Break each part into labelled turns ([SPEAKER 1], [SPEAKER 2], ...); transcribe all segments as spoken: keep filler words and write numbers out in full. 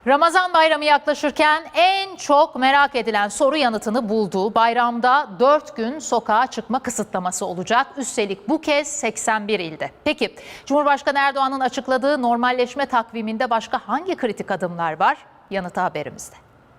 [SPEAKER 1] Ramazan bayramı yaklaşırken en çok merak edilen soru yanıtını buldu. Bayramda dört gün sokağa çıkma kısıtlaması olacak. Üstelik bu kez seksen bir ilde. Peki Cumhurbaşkanı Erdoğan'ın açıkladığı normalleşme takviminde başka hangi kritik adımlar var? Yanıtı haberimizde.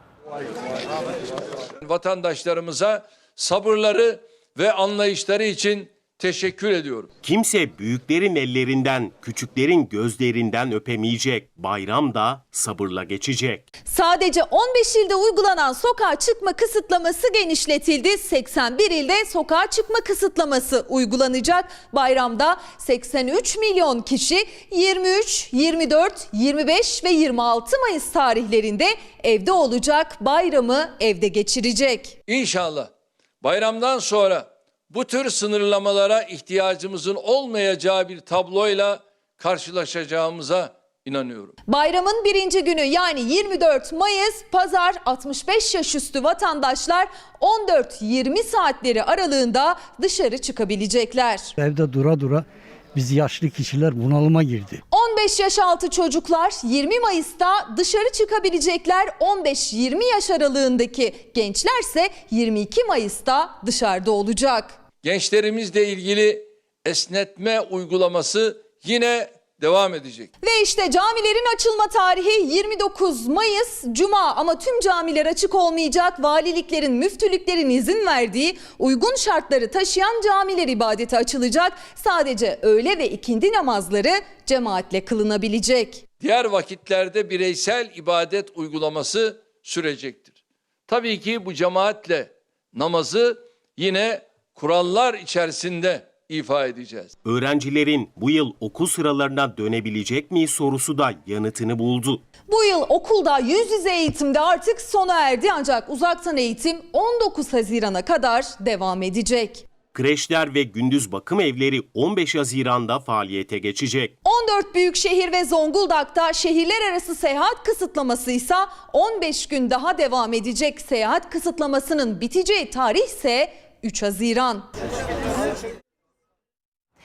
[SPEAKER 2] Vatandaşlarımıza sabırları ve anlayışları için teşekkür ediyorum.
[SPEAKER 3] Kimse büyüklerin ellerinden, küçüklerin gözlerinden öpemeyecek. Bayram da sabırla geçecek.
[SPEAKER 4] Sadece on beş ilde uygulanan sokağa çıkma kısıtlaması genişletildi. seksen bir ilde sokağa çıkma kısıtlaması uygulanacak. Bayramda seksen üç milyon kişi yirmi üç, yirmi dört, yirmi beş ve yirmi altı Mayıs tarihlerinde evde olacak, bayramı evde geçirecek.
[SPEAKER 2] İnşallah bayramdan sonra bu tür sınırlamalara ihtiyacımızın olmayacağı bir tabloyla karşılaşacağımıza inanıyorum.
[SPEAKER 4] Bayramın birinci günü yani yirmi dört Mayıs Pazar altmış beş yaş üstü vatandaşlar on dört yirmi saatleri aralığında dışarı çıkabilecekler.
[SPEAKER 5] Evde dura dura biz yaşlı kişiler bunalıma girdi.
[SPEAKER 4] on beş yaş altı çocuklar yirmi Mayıs'ta dışarı çıkabilecekler. on beş yirmi yaş aralığındaki gençlerse yirmi iki Mayıs'ta dışarıda olacak.
[SPEAKER 2] Gençlerimizle ilgili esnetme uygulaması yine devam edecek.
[SPEAKER 4] Ve işte camilerin açılma tarihi yirmi dokuz Mayıs Cuma ama tüm camiler açık olmayacak. Valiliklerin, müftülüklerin izin verdiği uygun şartları taşıyan camiler ibadete açılacak. Sadece öğle ve ikindi namazları cemaatle kılınabilecek.
[SPEAKER 2] Diğer vakitlerde bireysel ibadet uygulaması sürecektir. Tabii ki bu cemaatle namazı yine kurallar içerisinde ifa edeceğiz.
[SPEAKER 3] Öğrencilerin bu yıl okul sıralarına dönebilecek mi sorusu da yanıtını buldu.
[SPEAKER 4] Bu yıl okulda yüz yüze eğitimde artık sona erdi ancak uzaktan eğitim on dokuz Haziran'a kadar devam edecek.
[SPEAKER 3] Kreşler ve gündüz bakım evleri on beş Haziran'da faaliyete geçecek.
[SPEAKER 4] on dört büyükşehir ve Zonguldak'ta şehirler arası seyahat kısıtlaması ise on beş gün daha devam edecek. Seyahat kısıtlamasının biteceği tarih ise üç Haziran.